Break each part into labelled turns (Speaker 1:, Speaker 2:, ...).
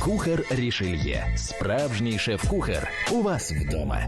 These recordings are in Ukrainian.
Speaker 1: Кухар Рішельє. Справжній шеф-кухар. У вас вдома.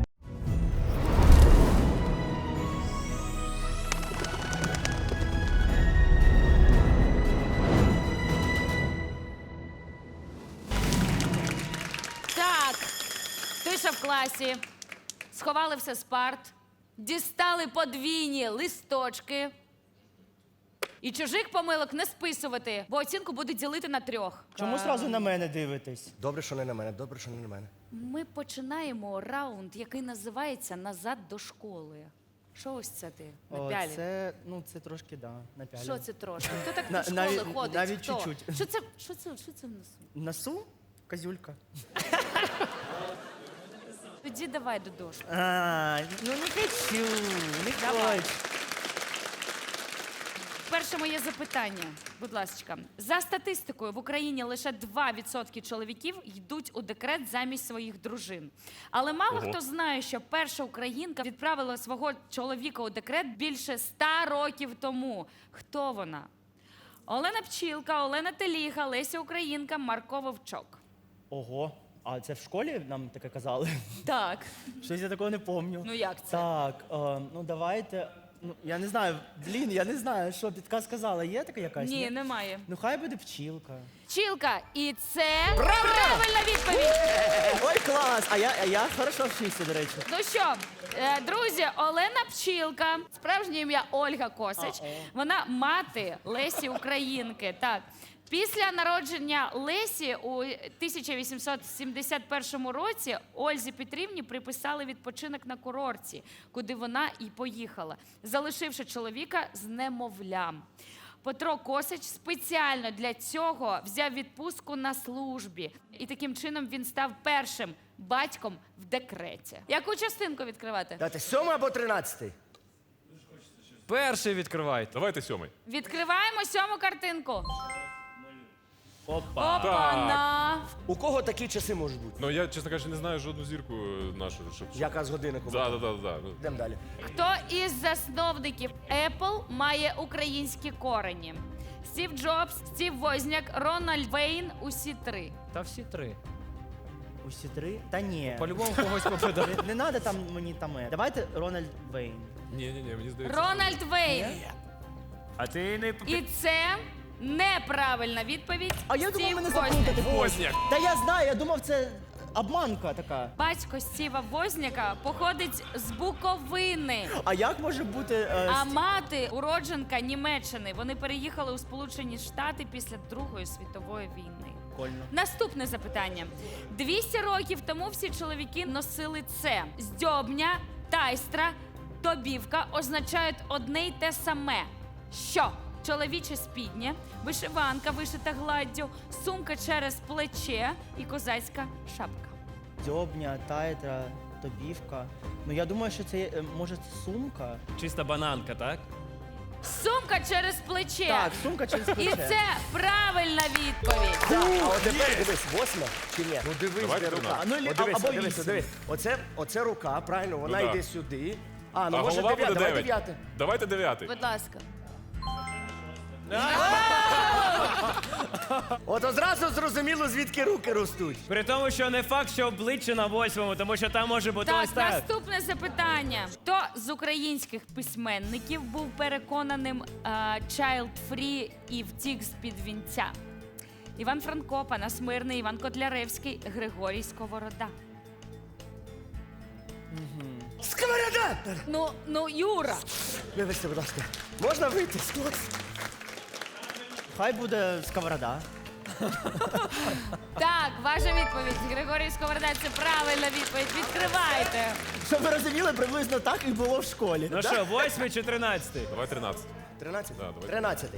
Speaker 2: Так, тиша в класі. Сховали все з парт, дістали подвійні листочки. І чужих помилок не списувати, бо оцінку будуть ділити на 3.
Speaker 3: Чому зразу на мене дивитесь?
Speaker 4: Добре, що не на мене, добре, що не на мене.
Speaker 2: Ми починаємо раунд, який називається «Назад до школи». Що ось це ти напялив?
Speaker 3: Це трошки, да, напялив.
Speaker 2: Що це трошки? Хто так
Speaker 3: На-
Speaker 2: до школи
Speaker 3: навіть-
Speaker 2: ходить?
Speaker 3: навіть
Speaker 2: Хто?
Speaker 3: чуть-чуть.
Speaker 2: Що це в носу?
Speaker 3: Носу? Козюлька.
Speaker 2: Тоді давай до дошки.
Speaker 3: Не хочу, не
Speaker 2: Давай.
Speaker 3: хочу.
Speaker 2: Перше моє запитання, будь ласка. За статистикою, в Україні лише 2% чоловіків йдуть у декрет замість своїх дружин. Але мало хто знає, що перша українка відправила свого чоловіка у декрет більше 100 років тому. Хто вона? Олена Пчілка, Олена Теліга, Леся Українка, Марко Вовчок.
Speaker 3: Ого, а це в школі нам таке казали?
Speaker 2: Так.
Speaker 3: Щось я такого не пам'ятаю.
Speaker 2: Ну як це?
Speaker 3: Так, давайте. Я не знаю, я не знаю, що підказ сказала. Є така якась?
Speaker 2: Ні, немає.
Speaker 3: Ну хай буде пчілка.
Speaker 2: Пчілка, і це правильна відповідь.
Speaker 3: Ой, клас! А я хорошо вчився, до речі.
Speaker 2: Ну що, друзі, Олена Пчілка, справжнє ім'я Ольга Косич. Вона мати Лесі Українки. Так. Після народження Лесі у 1871 році Ользі Петрівні приписали відпочинок на курорті, куди вона і поїхала, залишивши чоловіка з немовлям. Петро Косич спеціально для цього взяв відпустку на службі. І таким чином він став першим батьком в декреті. Яку частинку відкривати?
Speaker 4: Дайте 7 або 13?
Speaker 5: Перший відкривайте.
Speaker 6: Давайте 7.
Speaker 2: Відкриваємо 7-му картинку.
Speaker 3: Опа.
Speaker 2: Опа-на!
Speaker 4: У кого такі часи можуть бути?
Speaker 6: Ну я, чесно кажучи, не знаю жодну зірку нашу, щоб.
Speaker 4: Яка з годинником?
Speaker 6: Да.
Speaker 4: Йдемо далі.
Speaker 2: Хто із засновників Apple має українські корені? Стів Джобс, Стів Возняк, Рональд Вейн – усі 3.
Speaker 5: Та всі 3.
Speaker 3: Усі 3? Та ні.
Speaker 5: По-любому когось попаде.
Speaker 3: Не треба там мені там. Давайте Рональд Вейн.
Speaker 6: Ні, мені здається.
Speaker 2: Рональд Вейн.
Speaker 5: А ти не...
Speaker 2: І це неправильна відповідь.
Speaker 3: А я думав,
Speaker 2: Стів
Speaker 3: мене
Speaker 2: Возняк.
Speaker 3: заплутати.
Speaker 6: Возняк.
Speaker 3: Та я знаю, я думав, це обманка така.
Speaker 2: Батько Стіва Возняка походить з Буковини.
Speaker 3: А як може бути...
Speaker 2: А мати уродженка Німеччини. Вони переїхали у Сполучені Штати після Другої світової війни.
Speaker 3: Прикольно.
Speaker 2: Наступне запитання. 200 років тому всі чоловіки носили це. Здьобня, тайстра, тобівка означають одне й те саме. Що? Чоловіче спіднє, вишиванка вишита гладдю, сумка через плече і козацька шапка.
Speaker 3: Дзьобня, тайтра, тобівка. Ну я думаю, що це може це сумка.
Speaker 5: Чиста бананка, так?
Speaker 2: Сумка через плече.
Speaker 3: Так, сумка через плече.
Speaker 2: І це правильна відповідь.
Speaker 4: Так, а от тепер дивись, 8 чи ні? Ну дивись,
Speaker 6: Давайте
Speaker 4: де рука.
Speaker 6: 13.
Speaker 3: Ну,
Speaker 4: От дивись,
Speaker 3: або
Speaker 4: дивись,
Speaker 3: 8.
Speaker 4: дивись. Оце рука, правильно, вона
Speaker 6: Ну, да.
Speaker 4: йде сюди. Ну
Speaker 6: А
Speaker 4: може
Speaker 6: голова
Speaker 4: 9,
Speaker 6: буде
Speaker 4: давай
Speaker 6: 9.
Speaker 4: 9.
Speaker 6: Давайте 9.
Speaker 2: Будь ласка.
Speaker 4: От одразу зрозуміло, звідки руки ростуть.
Speaker 5: При тому, що не факт, що обличчя на 8-му, тому що там може бути ось
Speaker 2: Так,
Speaker 5: так.
Speaker 2: наступне запитання. Хто з українських письменників був переконаним child-free і втік з-під вінця? Іван Франко, Панас Мирний, Іван Котляревський, Григорій Сковорода.
Speaker 4: Сковорода!
Speaker 2: Ну, Юра.
Speaker 4: Вибачте, будь ласка. Можна вийти з класу?
Speaker 3: Хай буде сковорода.
Speaker 2: Так, ваша відповідь. Григорій Сковорода – це правильна відповідь. Відкривайте.
Speaker 3: Щоб ви розуміли, приблизно так і було в школі.
Speaker 5: Ну що, 8 чи 13?
Speaker 6: Давай 13.
Speaker 4: 13?
Speaker 6: Да, давай.
Speaker 4: 13.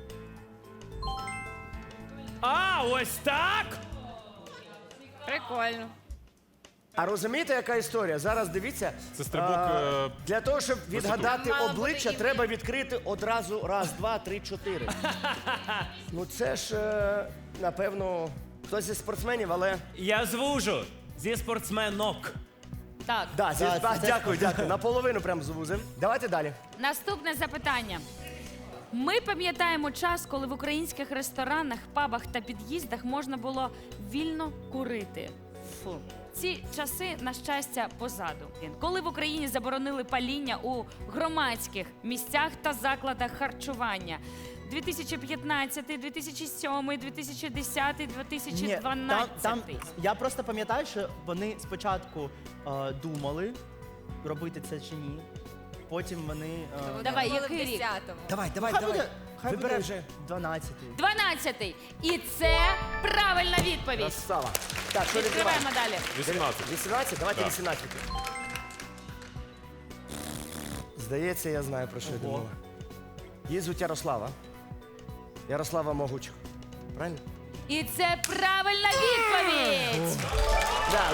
Speaker 5: А, ось так?
Speaker 2: Прикольно.
Speaker 4: А розумієте, яка історія? Зараз дивіться.
Speaker 6: Це стрибок,
Speaker 4: Для того, щоб відгадати
Speaker 2: Мало
Speaker 4: обличчя,
Speaker 2: буде
Speaker 4: треба відкрити одразу раз, два, три, чотири. Ну це ж, напевно, хтось зі спортсменів, але...
Speaker 5: Я звужу. Зі спортсменок.
Speaker 2: Так,
Speaker 4: Да,
Speaker 3: Да, це-
Speaker 4: дякую. Наполовину прям звузим. Давайте далі.
Speaker 2: наступне запитання. Ми пам'ятаємо час, коли в українських ресторанах, пабах та під'їздах можна було вільно курити. Фу. Ці часи, на щастя, позаду. Коли в Україні заборонили паління у громадських місцях та закладах харчування. 2015, 2007, 2010, 2012.
Speaker 3: Я просто пам'ятаю, що вони спочатку думали, робити це чи ні. Потім вони.
Speaker 2: Давай,
Speaker 7: Були в
Speaker 2: який рік?
Speaker 7: 10-му.
Speaker 4: Давай.
Speaker 3: Хай
Speaker 4: Вибирай
Speaker 3: буде
Speaker 4: вже.
Speaker 3: 12-й.
Speaker 2: 12-й. І це правильна відповідь.
Speaker 4: Красава. Так, що
Speaker 2: Відкриваємо
Speaker 4: відкриваємо?
Speaker 2: далі.
Speaker 6: 18.
Speaker 4: 18? Давайте
Speaker 6: Так.
Speaker 4: 18. Здається, я знаю, про що йде мова. Її звуть Ярослава. Ярослава Могучих. Правильно?
Speaker 2: І це правильна відповідь.
Speaker 4: Да,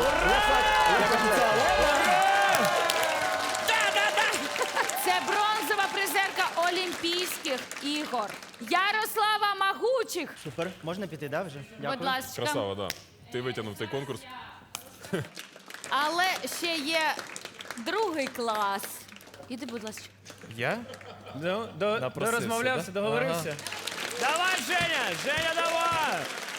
Speaker 2: Це бронзова призерка Олімпійських ігор. Ярослава Магучих.
Speaker 3: Супер. Можна піти, да, вже? Дякую.
Speaker 2: Будь ласка.
Speaker 6: Красава, да. Ти витягнув цей конкурс.
Speaker 2: Але ще є другий клас. Іди, будь ласка.
Speaker 5: Я?
Speaker 8: Напросився,
Speaker 5: Розмовлявся,
Speaker 8: да?
Speaker 5: договорився. Давай, Женя! Женя, давай!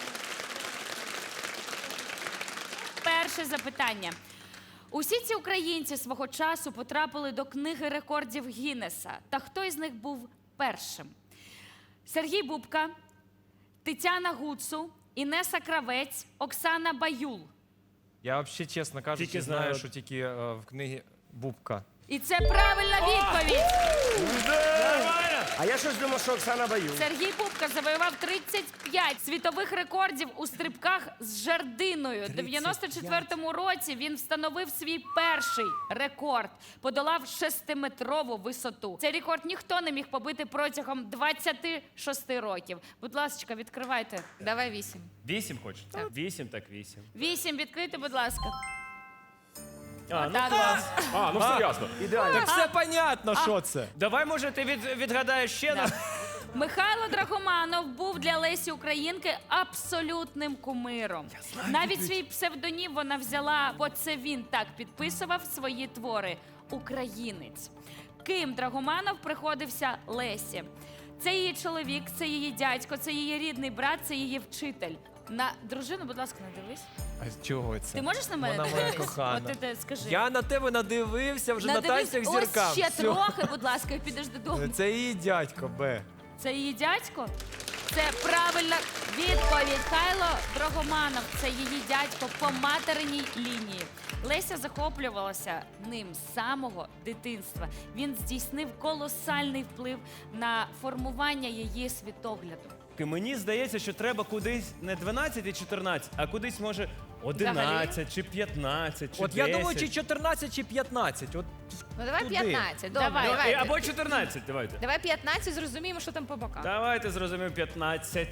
Speaker 2: Перше запитання. Усі ці українці свого часу потрапили до книги рекордів Гіннеса. Та хто із них був першим? Сергій Бубка, Тетяна Гуцу, Інеса Кравець, Оксана Баюл.
Speaker 8: Я взагалі, чесно кажучи,
Speaker 5: Тільки
Speaker 8: знаю,
Speaker 5: знаю.
Speaker 8: що тільки в книгі Бубка.
Speaker 2: І це правильна відповідь.
Speaker 5: Нормально!
Speaker 4: А я щось думав, що Оксана Баю.
Speaker 2: Сергій Бубка завоював 35 світових рекордів у стрибках з жердиною. У 94-му році він встановив свій перший рекорд, подолав 6-метрову висоту. Цей рекорд ніхто не міг побити протягом 26 років. Будь ласка, відкривайте.
Speaker 7: Давай 8.
Speaker 5: 8 хочеш? 8, так 8.
Speaker 2: 8 відкрити, будь ласка.
Speaker 5: А, ну
Speaker 2: Так.
Speaker 5: клас.
Speaker 6: А, ну все ясно.
Speaker 4: Ідеально.
Speaker 8: Так все понятно, що це.
Speaker 5: Давай, може, ти відгадаєш ще раз?
Speaker 2: Михайло Драгоманов був для Лесі Українки абсолютним кумиром. Навіть свій псевдонім вона взяла, бо це він так підписував свої твори «Українець». Ким Драгоманов приходився Лесі? Це її чоловік, це її дядько, це її рідний брат, це її вчитель. На дружину, будь ласка, не дивись.
Speaker 8: А чого це?
Speaker 2: Ти можеш на мене
Speaker 8: Вона моя
Speaker 2: дивитись?
Speaker 8: кохана.
Speaker 2: От ти скажи.
Speaker 8: Я на тебе надивився вже на
Speaker 2: Надивись
Speaker 8: танцях
Speaker 2: ось
Speaker 8: зіркам.
Speaker 2: ще
Speaker 8: Все.
Speaker 2: трохи, будь ласка, і підеш додому.
Speaker 8: Це її дядько, Б.
Speaker 2: Це її дядько? Це правильна відповідь. Хайло Драгоманов – це її дядько по материній лінії. Леся захоплювалася ним з самого дитинства. Він здійснив колосальний вплив на формування її світогляду.
Speaker 5: Мені здається, що треба кудись не 12 і 14, а кудись, може, 11 чи 15 чи
Speaker 8: От
Speaker 5: 10.
Speaker 8: я думаю, чи 14, чи 15. От
Speaker 7: Ну давай
Speaker 8: туди.
Speaker 7: 15. Добре,
Speaker 2: Давай.
Speaker 7: давайте.
Speaker 5: Або 14, давайте.
Speaker 7: Давай 15, зрозуміємо, що там по бокам.
Speaker 5: Давайте зрозумів 15.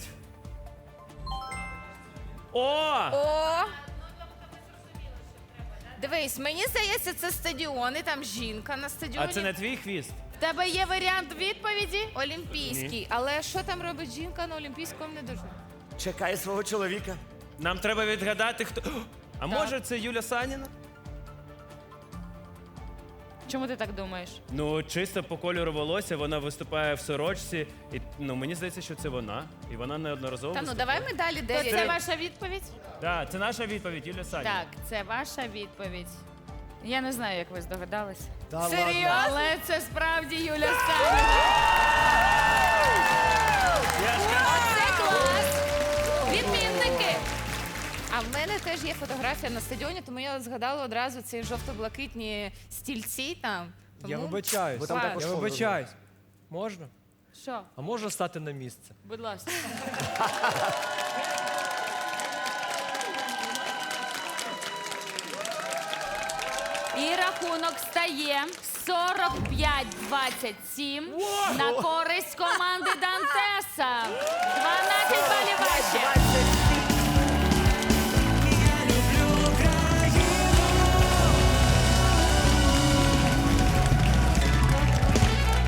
Speaker 5: О!
Speaker 7: О! Дивись, мені здається, це стадіон, і там жінка на стадіоні.
Speaker 5: А це не твій хвіст?
Speaker 2: В тебе є варіант відповіді?
Speaker 7: Олімпійський. Але що там робить жінка на Олімпійському, не дуже.
Speaker 4: Чекає свого чоловіка.
Speaker 5: Нам треба відгадати, хто. А може це Юля Саніна?
Speaker 2: Чому ти так думаєш?
Speaker 5: Ну, чисто по кольору волосся, вона виступає в сорочці. І, ну, мені здається, що це вона. І вона неодноразово
Speaker 7: Та ну
Speaker 5: виступає.
Speaker 7: давай ми далі
Speaker 2: То
Speaker 7: 9.
Speaker 2: це ваша відповідь?
Speaker 5: Так, це наша відповідь, Юля Саніна.
Speaker 2: Так, це ваша відповідь. Я не знаю, як ви здогадались.
Speaker 4: Та
Speaker 7: Серйозно?
Speaker 2: Але це справді Юля Саніна.
Speaker 5: Я ж кажу,
Speaker 7: Це клас! Відмінники! А в мене теж є фотографія на стадіоні, тому я згадала одразу ці жовто-блакитні стільці там.
Speaker 8: Я
Speaker 7: Тому-
Speaker 8: вибачаюсь.
Speaker 4: Бо там також
Speaker 8: Я
Speaker 4: шоу
Speaker 8: вибачаюсь. Можна?
Speaker 2: Що?
Speaker 8: А можна стати на місце?
Speaker 2: Будь ласка. І рахунок стає 45-27 на користь команди Дантеса. 12 балів ваші.